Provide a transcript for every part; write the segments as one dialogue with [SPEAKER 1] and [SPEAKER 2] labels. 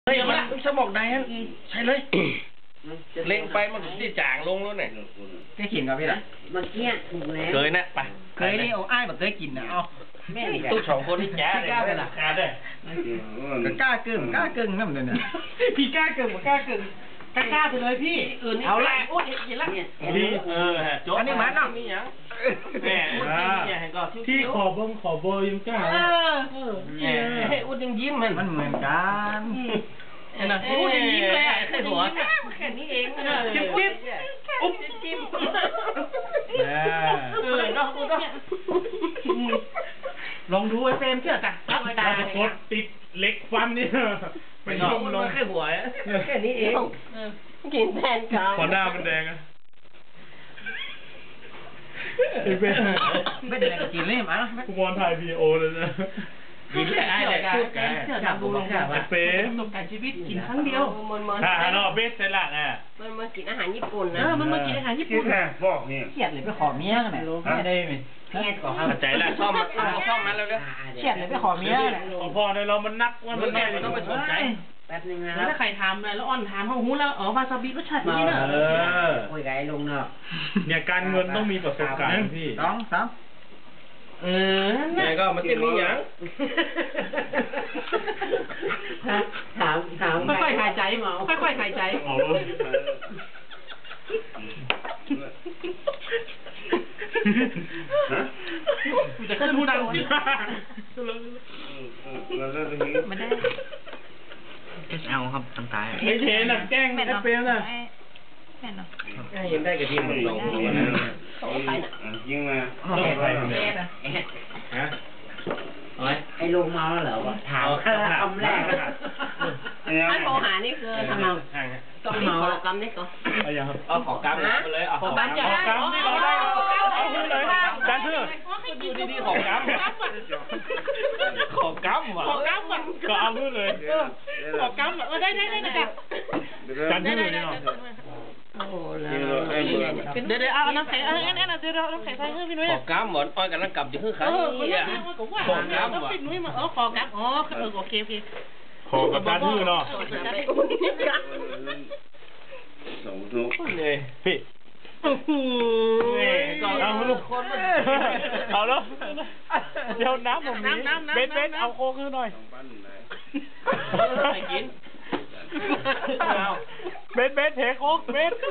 [SPEAKER 1] เฮ้ยมันสมองได้ฮะใช่เลยเล็งไปมันที่จางลงแล้วเนี่ย
[SPEAKER 2] เคยกินกับพี่ล่ะ
[SPEAKER 3] เมื่อกี้ถูกแล้ว
[SPEAKER 1] เคยนะไป
[SPEAKER 2] เคยนี่เอาอ้ายแบบเคยกินนะเอา
[SPEAKER 3] แม่
[SPEAKER 1] ตู้สองคนนี่แจ๋เลยขาดเลย
[SPEAKER 2] กล้าเกินนั่นเลยเนี่ย
[SPEAKER 4] พี่กล้าเกินกล้าเกินกล้าไปเลยพี่
[SPEAKER 1] เอาละโอ้ยกินละดี
[SPEAKER 2] อันนี้มันเนาะ
[SPEAKER 1] แม่
[SPEAKER 4] ที่ขอเบอร์ยังกล้า
[SPEAKER 1] ให้อุ้ดยังยิ้ม
[SPEAKER 2] มันเหมือนกัน
[SPEAKER 1] นะอุ้ดยังยิ้มเลยอ่ะแค่หัวแค่นี้เองจิ๊บจิ๊บอุ๊บจิ๊บน้องกูต้อง
[SPEAKER 4] ลองดูไอ้เฟรมเชื่อจ้ะตาโคตรติดเล็กฟันนี่
[SPEAKER 1] ไม่ลองแค่หัวแค่นี้เองกินแทนกัน
[SPEAKER 4] พอหน้ามันแดงอะ
[SPEAKER 2] ไม่ได้กินเลยมั้ย
[SPEAKER 4] กูบอลถ่ายวีดีโอเลยนะ
[SPEAKER 1] กินแค่ไอ้เลย
[SPEAKER 4] เชื่อจับดูลงค่ะว่าเฟรมประสบการณ์ชีวิตกินครั้งเดียวเนาะเบสเซล่าน่ะ
[SPEAKER 3] มันมากินอาหารญี่ปุ่นนะ
[SPEAKER 4] มันมากินอาหารญี่ปุ่น
[SPEAKER 2] บอกนี่เฉียดเลยไปขอเมียกันไหนไม่ได้ไหม
[SPEAKER 3] เฉียดก่อน
[SPEAKER 1] ใจละชอบมันแล้วเด้อ
[SPEAKER 2] เฉียดเลยไปขอเมียเนี่ย
[SPEAKER 4] พอในเรามันนักว่ามันไม่
[SPEAKER 1] ต้องไปสนใจ
[SPEAKER 3] แป๊บนึงนะ
[SPEAKER 4] ถ้าใครทำแล้วอ่อนทานเขาหูแล้ววาซาบิรสชาตินี้เนอะ
[SPEAKER 3] โอ้ยไก่ลงเนอะ
[SPEAKER 4] เนี่ยการเงินต้องมีประสบการณ์พี่
[SPEAKER 2] 2 3
[SPEAKER 1] เนี่ยก็มันจะมีอย่าง
[SPEAKER 3] ถาม
[SPEAKER 4] ค่อยๆหายใจหมอค่อยๆหายใจจะขึ้นหูดังสิ
[SPEAKER 2] ไม่ได้SL ครับตั้งตาย
[SPEAKER 4] ไม่เทน่ะแกล้งไม่เปรี้ยวน่ะ
[SPEAKER 1] แม่เนาะยังได้กระเทียมลง
[SPEAKER 3] ยิงมาไอ้ลงมาแล้วเหรอวะถามคำแรกถ้าโทรหานี่คือทำไมต้องมีขอกรรมนี่ก่อน
[SPEAKER 1] เอาขอกรรมไปเลยเอา
[SPEAKER 4] ขอกรรมนี่เราได้เอาขึ้นเลยการเชื่อ
[SPEAKER 1] อยู่ดีๆขอกรรมขอกรรมว่ะ
[SPEAKER 4] ก็เอาขึ้นเลย
[SPEAKER 5] ขอกรรมได้จ้ะ
[SPEAKER 4] การเชื่อเลยเนาะ
[SPEAKER 1] โอ้แล้ว
[SPEAKER 5] เดี๋ยวเอาน้ำแข็งเอางั้นเดี๋ยวน้ำแข็งใส่ให้พี่นุ้ย
[SPEAKER 1] ขอกรรมหมดอ้อยกันแล้วกลับจะคือใคร
[SPEAKER 5] ขอกรรมพี่นุ้ยมาขอกรรมโอเค
[SPEAKER 4] ขอกับการเชื่อเนาะ
[SPEAKER 1] สองทุกเลย
[SPEAKER 4] พี่เอาลูกคนเอาแล้วเดี๋ยวน้ำผมนี้เบ็ดเอาโค้กขึ้นหน่อย
[SPEAKER 1] ไปกิน
[SPEAKER 4] เบ็ดเทโค้กเบ็ด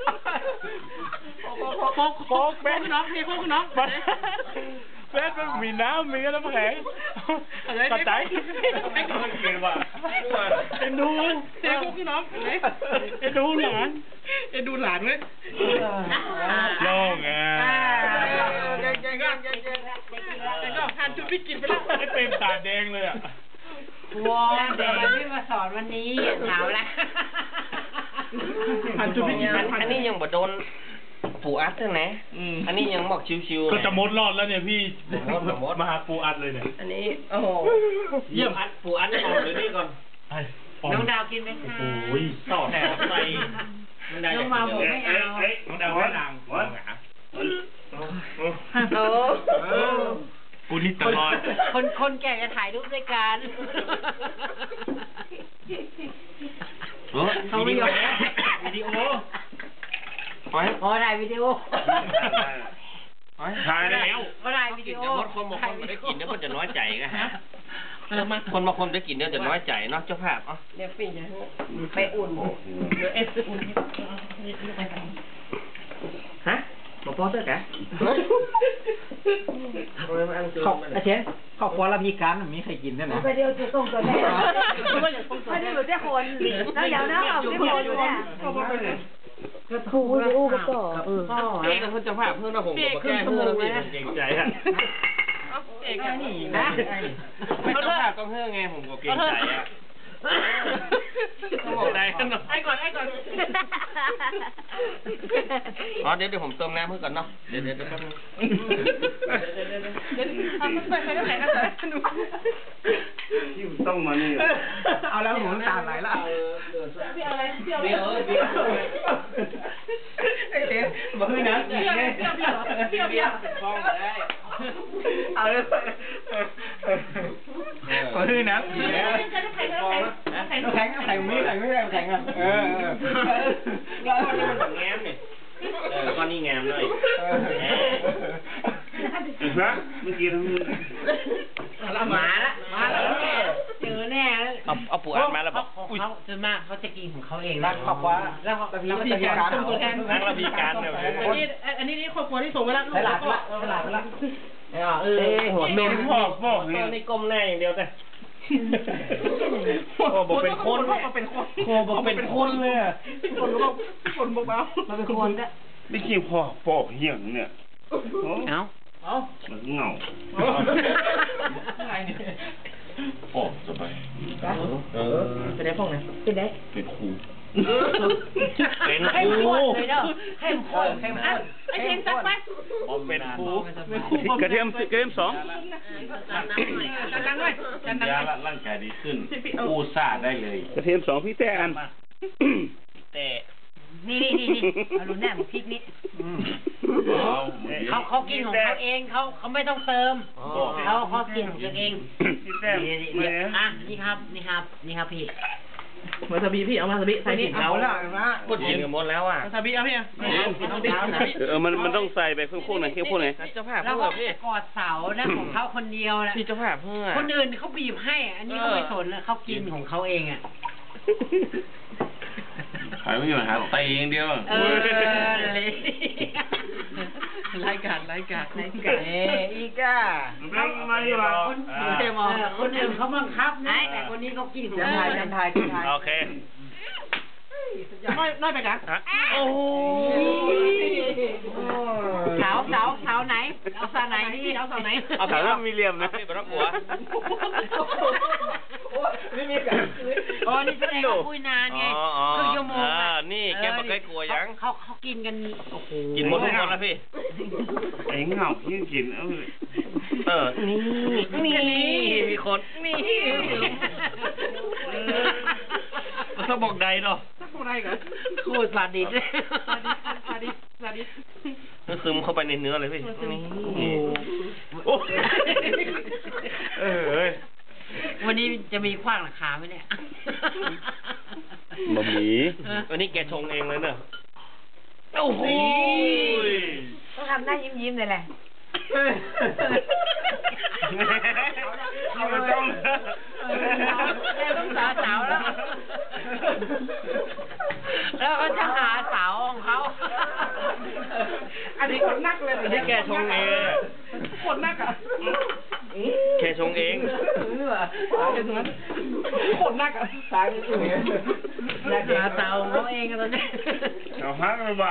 [SPEAKER 5] โค้กเบ็ดน้องพี่โค้กน้อง
[SPEAKER 4] เบ็ดมันมีน้ำมีน้ำแข็งกระจายไม่ก่อนเกินว่ะเอ็นดู
[SPEAKER 5] เทโค้กน้อง
[SPEAKER 4] เอ็นดูหลานไหมลง
[SPEAKER 5] ก็ทานจุดวิกฤตไปแล้ว
[SPEAKER 4] ไอ้เต็มตาแดงเลยอ่ะ
[SPEAKER 3] ว้าแดงที่มาสอนวันนี้หนาวแล้ว
[SPEAKER 1] อันนี้ยังบ่โดนปูอัดใช่ไหมอันนี้ยังบอกชิวๆ
[SPEAKER 4] ก็จะมดรอดแล้วเนี่ยพี่มาหาปูอัดเลยเนี่ย
[SPEAKER 1] อันนี้โอ้โหเยี่ยมอัดปูอัดออกเลยนี่ก่อน
[SPEAKER 3] น้องดาวกินไหมคะ
[SPEAKER 4] โอ้ย
[SPEAKER 1] ต่อแถวไป
[SPEAKER 3] น้องมาผมไม่เอา
[SPEAKER 4] น้องดาวไม่นางกูนี่ตลอด
[SPEAKER 3] คนแก่จะถ่ายรูปด้วยกัน
[SPEAKER 4] เขาวิดีโอ
[SPEAKER 3] ถ่ายวิดีโอ
[SPEAKER 4] ถ่ายแล้ว
[SPEAKER 3] ถ่ายวิดีโอ
[SPEAKER 1] คนบางคนไม่ได้กินเนี่ยคนจะน้อยใจกันฮะคนบางคนได้กินเนี่ยจะน้อยใจเนาะเจ้าภาพ
[SPEAKER 3] เดี๋ยวปีนะไปอุ่นเดี๋ยวอุ่น
[SPEAKER 1] ฮะบอกพ่อเถอะแก
[SPEAKER 2] อาเชนขอบคุณละพี่การมีใครกินได้ไหม
[SPEAKER 3] ไปเดียวจะต้องตัวแรกไม่ได้อยู่ที่คนแล้วอย่างนั้นเอาที่คนอยู่เนี่ย
[SPEAKER 5] ก็ถูอู้ก็ต่อ
[SPEAKER 1] เอกกับคนเจ้าภาพเพื่อนเราผมบอกแก้เพื่อนพี่เก่งใจฮะ
[SPEAKER 5] เอกนี่
[SPEAKER 1] นะไม่เจ้าภาพก็เพื่อนไงผมก็เก่งใจอ่ะบอกได้กันหน่อย
[SPEAKER 5] ไอ้ก่อน
[SPEAKER 1] อ๋อเดี๋ยวผมเติมน้ำเพื่อก่อนเนาะเดี๋ยวแป๊บนึง
[SPEAKER 5] ใส่น้ำแข็งกันเลย
[SPEAKER 2] ต้องมานี่เอาแล้วหูตาไหลละ
[SPEAKER 5] พี่อะไรพี่
[SPEAKER 2] ไอ้เจ๊บอกให้นะ
[SPEAKER 5] พี่
[SPEAKER 1] ฟ้องได้
[SPEAKER 2] เอาเลยบอกให้นะ
[SPEAKER 5] ใส่น้ำแข็งแข็ง
[SPEAKER 3] น้ำแข็งไม่แข็งอ่ะ
[SPEAKER 1] ก้อนนี้มันแบบแง้มเนี่ยก้อนนี้แง้มเลย
[SPEAKER 4] นะเมื่อกี้ทั้ง
[SPEAKER 3] มาแล้วเจอแน่แล้ว
[SPEAKER 1] เอาปูอัดมาแล้วบอก
[SPEAKER 3] เขาส่วนมากเขาจะกินของเขาเองนะ
[SPEAKER 4] ขอบว่า
[SPEAKER 3] แล้วเขา
[SPEAKER 5] วิธีการตัวแทน
[SPEAKER 1] นั่งระบีการเนี่ย
[SPEAKER 5] อันนี้ครอบครัวที่ส่งไปแล้ว
[SPEAKER 3] ฉลาดละหัวเมน
[SPEAKER 1] พ่อในกลมแน่อย่างเดียวแต่โอ้บอกเป็นคนโอ้บอกเป็นคนเลยอ่ะ
[SPEAKER 5] คนเบา
[SPEAKER 3] มาเป็นคนก็
[SPEAKER 4] ไม่คิดพ่อปอกเหี้ยงเนี่ย
[SPEAKER 3] เอา
[SPEAKER 4] มันเงาปอกสบาย
[SPEAKER 5] เป็นไงพวกไหน
[SPEAKER 3] เป็นไง
[SPEAKER 4] เป็นครู
[SPEAKER 1] เป็นค
[SPEAKER 3] เข้ม
[SPEAKER 1] รู
[SPEAKER 3] ข้นเลยเด้อเข้มข้น
[SPEAKER 5] ไอ้เทียนตัดไป
[SPEAKER 1] เป็นครู
[SPEAKER 4] กระเทียม2
[SPEAKER 5] กันดังหน่อยกันดังหน่อย
[SPEAKER 4] ร่างกายดีขึ้นกู้ซาได้เลยกระเทียม2พี่แต่อัน
[SPEAKER 1] แต่
[SPEAKER 3] นี่เอาดูแน่พริกนี้เขากินของเขาเองเขาไม่ต้องเติมเขากินของตัวเอง
[SPEAKER 4] พี่แต่
[SPEAKER 3] นี่ครับพี่
[SPEAKER 5] มาสบีพี่เอามาสบีใส่ผิดเอาแล้ว
[SPEAKER 1] พูดยิงกันหมดแล้วอ่ะ
[SPEAKER 5] สบีเอาพี่อ่ะ
[SPEAKER 4] มันต้องใส่ไปข้างๆหน่อยข้างๆหน่อย
[SPEAKER 1] เจ้าภาพ
[SPEAKER 3] แล้ว
[SPEAKER 1] เพื่
[SPEAKER 3] ก็
[SPEAKER 1] อพี่
[SPEAKER 3] กอดเสานะของเขาคนเดียวนะ
[SPEAKER 1] พี่เจ้าภาพเพื่อ
[SPEAKER 3] คนอื่นเขาบีบให้อันนี้เขาไม่สนแล้วเขากินของเขาเองอ่ะ
[SPEAKER 4] หายไม่อยู่หาตีอย่างเดียว
[SPEAKER 3] เลย
[SPEAKER 5] รายการ
[SPEAKER 3] อีกอ่ะ
[SPEAKER 4] มาดีกว่า
[SPEAKER 3] คนอื่นเขาบังคับนะแต่คนนี้เขากินของเขาไทย
[SPEAKER 1] โอเค
[SPEAKER 5] น้อยไปกัน
[SPEAKER 1] โอ้
[SPEAKER 3] เสาไหนเอาเสาไหนนี่เอาเสาไหน
[SPEAKER 1] เอาสาวมีเหลี่ยมนะพี่บรรลัว
[SPEAKER 3] ไม่มีกันอ๋อนี่แสดงว่าคุยนานไงครึ่งชั่วโมง
[SPEAKER 1] นี่แกบอกใกล้กลัวยัง
[SPEAKER 3] เขากินกันโอ้โห
[SPEAKER 1] กินหมดทุกคนแล้วพี่
[SPEAKER 4] ไอ้เงายิ่งกิน
[SPEAKER 1] นี่มีคนนี่ถ้าบอกใดเนาะ
[SPEAKER 5] สักคนไรกัน
[SPEAKER 3] โคตรซาดิส
[SPEAKER 5] ซาดิส
[SPEAKER 1] ซึมเข้าไปในเนื้อเลยพี่นี่
[SPEAKER 3] วันนี้จะมีขว้างราคาไหมเนี่ย
[SPEAKER 4] บะหมี่
[SPEAKER 1] วันนี้แกชงเองเลยเนอะโอ้โห
[SPEAKER 3] ต้องทำหน้ายิ้มเลยแหละต้องสาวแล้วก็จะหาสาวของเขา
[SPEAKER 5] อันนี้คนนักเลย
[SPEAKER 1] อันนี้แกชงเอง
[SPEAKER 5] คนนักอ่ะ
[SPEAKER 1] แกชงเอง
[SPEAKER 5] คนนักอ่ะ
[SPEAKER 3] สาวอยากหาสาวของเขาเองกันตอนนี้
[SPEAKER 4] เอาฮักไปบ้าง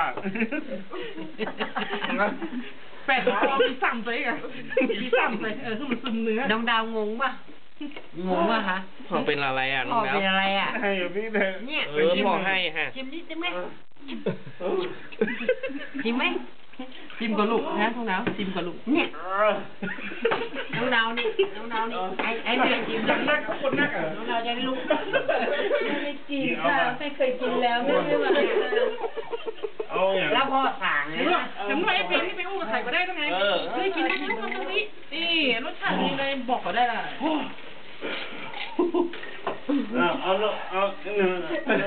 [SPEAKER 5] แปดเอาพี่ซ้ำไปกันพี่ซ้ำไปคือมันซึมเนื้อ
[SPEAKER 3] น้องดาวงงป่ะฮะ
[SPEAKER 1] พ่อเป็นอะไรอ่ะน้องดาว
[SPEAKER 3] เป็นอะไรอ่ะ
[SPEAKER 4] ให้พี่เถอะ
[SPEAKER 3] เนี่ย
[SPEAKER 1] พ่อให้ฮะ
[SPEAKER 3] ชิมนิดได้ไหมชิมไหม
[SPEAKER 5] ชิมกับลูกนะทุกน้ำชิมกับลูก
[SPEAKER 3] เนี่ยน้องดาวนี่ไอ้เรื่องชิมแล้วนักคนนักอ่ะน้องดาวจะได้รู้ไม่กินค่ะไม่เคยกินแล้วไม่ได้มา
[SPEAKER 4] เอาอย่าง
[SPEAKER 3] แล้วพ่อสั่งเลยนะ
[SPEAKER 5] แต่เมื่อไอ้เพลงที่ไปอู้กับใครก็ได้ต้องไงเคยกินได้ลูกมันตรงนี้นี่รสชาติดีเลยบอกก็ได้ละ
[SPEAKER 4] เอาหนึ่ง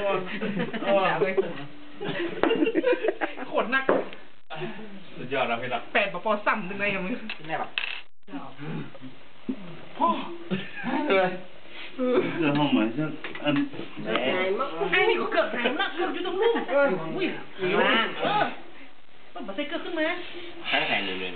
[SPEAKER 5] ขนนัก
[SPEAKER 1] สุดยอดนะพี่ละ
[SPEAKER 5] แปดปอซ้ำหนึ่งไงกับมึง
[SPEAKER 3] แม่แบบ
[SPEAKER 5] พ่อ
[SPEAKER 4] เรื่องห้องเหมือนเช่นอัน
[SPEAKER 5] ไอ้นี่ก็เกือบหายมากเกือบอยู่ตรงนู้นอุ้ยมันมาใส่เกือบขึ้นมา
[SPEAKER 1] แข็งเลย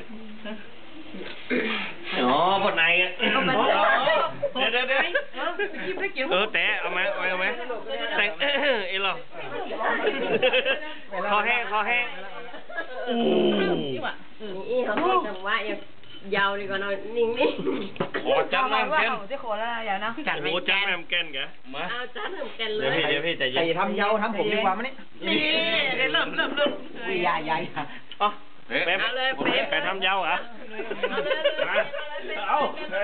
[SPEAKER 1] อ๋อปวดในอ่ะเดี๋ยวแต่เอาไหมแต่เอหรอคอแห้ง
[SPEAKER 3] นี่เขาพูดจังหวะยาวดีกว่าน้อยนิ่ง
[SPEAKER 1] ขอจัดแม่มแกน
[SPEAKER 3] ที่โคราชยาวนะจัดไม่แกน
[SPEAKER 1] แกมา
[SPEAKER 3] เอาจัดแม่มแกนเลย
[SPEAKER 1] เดี๋ยวพี่ใจเย็น
[SPEAKER 3] ทำยาวทำผมดีกว่ามั้ยนี่เริ่มใหญ่
[SPEAKER 1] อ๋อไปทำยาวเหรอเอา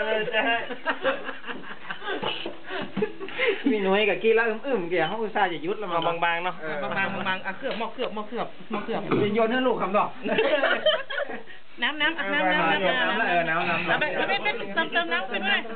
[SPEAKER 3] มีหน่วยกับกี้แล้วเกี่ยวเขาอุตส่าห์จะยุดแล้วมา
[SPEAKER 1] บางๆเนาะ
[SPEAKER 5] บางอ่ะเคลือบหม้อเคลือบ
[SPEAKER 3] โยนให้ลูกคำดอก
[SPEAKER 5] น้ำไปเติมน้ำไปด้วยเติมน้ำ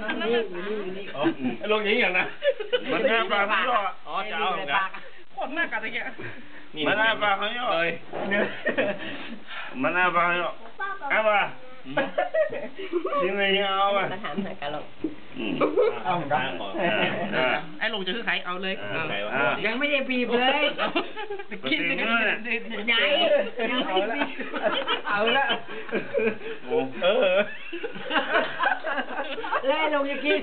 [SPEAKER 1] ลงอย่างนี้อย่างนะมันหน้าปลาเขาย่ออ๋อจะเอาเหมือนกัน
[SPEAKER 5] โคตรมากอะตะเกีย
[SPEAKER 1] มันหน้าปลาเขาย่อเลยมันหน้าปลาเขาย่อเอาป่ะจริงเลยเอาป่ะ
[SPEAKER 2] มาถามหากะหลง
[SPEAKER 1] เอาเหมือนกัน
[SPEAKER 5] ไอ้ลงจะคือใครเอาเลย
[SPEAKER 3] ยังไม่ได้บีบเลย
[SPEAKER 5] กินเลย
[SPEAKER 3] ไหนยังไม่ได้บีบเอาละ แล้วลงจะกิน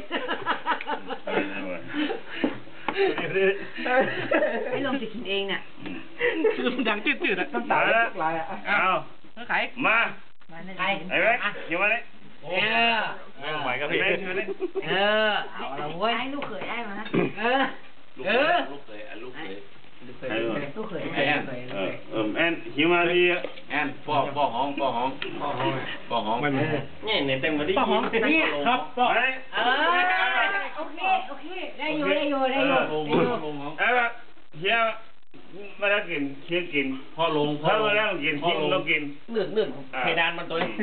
[SPEAKER 3] ให้ลงจะกินเองน่ะ
[SPEAKER 5] คือมันดังจืดๆอ่ะ
[SPEAKER 1] น้ำตาแล้วเอา
[SPEAKER 5] ใคร
[SPEAKER 1] มา
[SPEAKER 3] ใคร
[SPEAKER 1] ไอ้เว้ยอยู่มาเลย
[SPEAKER 4] ไหวกับพี่
[SPEAKER 3] เอาละเว้ยให้ลูกเขยได้มาลูกเขยลูกเขย
[SPEAKER 1] แอนหิวมาดีแอนปอกห้องนี่ในเต็มมาดิ
[SPEAKER 5] ป้าหอม
[SPEAKER 3] นี่
[SPEAKER 4] ครับก็
[SPEAKER 3] โอเคได้อยู่
[SPEAKER 1] ไอ้แบบเฮียมาแล้วกินเคี้ยกินพ่อลงมาแล้วกินกินเรากินเลื่อนเพดานมันตัวนี้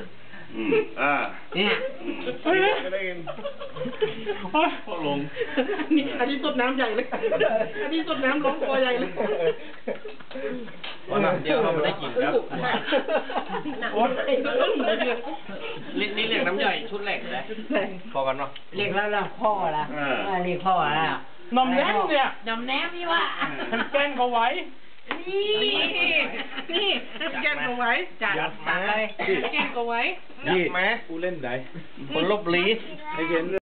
[SPEAKER 3] เนี่ย
[SPEAKER 1] ได้กินพ่อลง
[SPEAKER 5] นี่อันนี้ต้นน้ำใหญ่เลยอันนี้ต้นน้ำร้องคอใหญ่เลย
[SPEAKER 1] วันนั้นเดียวเราไม่ได้กินครับนี่เรียกน้ำใหญ่ชุดแหลกเลยพอกันเนาะ
[SPEAKER 3] เรียกแล้วพ่อละเรียกพ่อละ
[SPEAKER 4] นมแย้มเนี่ย
[SPEAKER 3] นมแนมนี่ว่า
[SPEAKER 4] มันแกล้งเขาไว้
[SPEAKER 5] นี่แกงเอาไว้
[SPEAKER 3] จัดเลย
[SPEAKER 5] แกงเอาไว้
[SPEAKER 1] ยักแม้กูเล่นไหนคนลบลีให้เห็น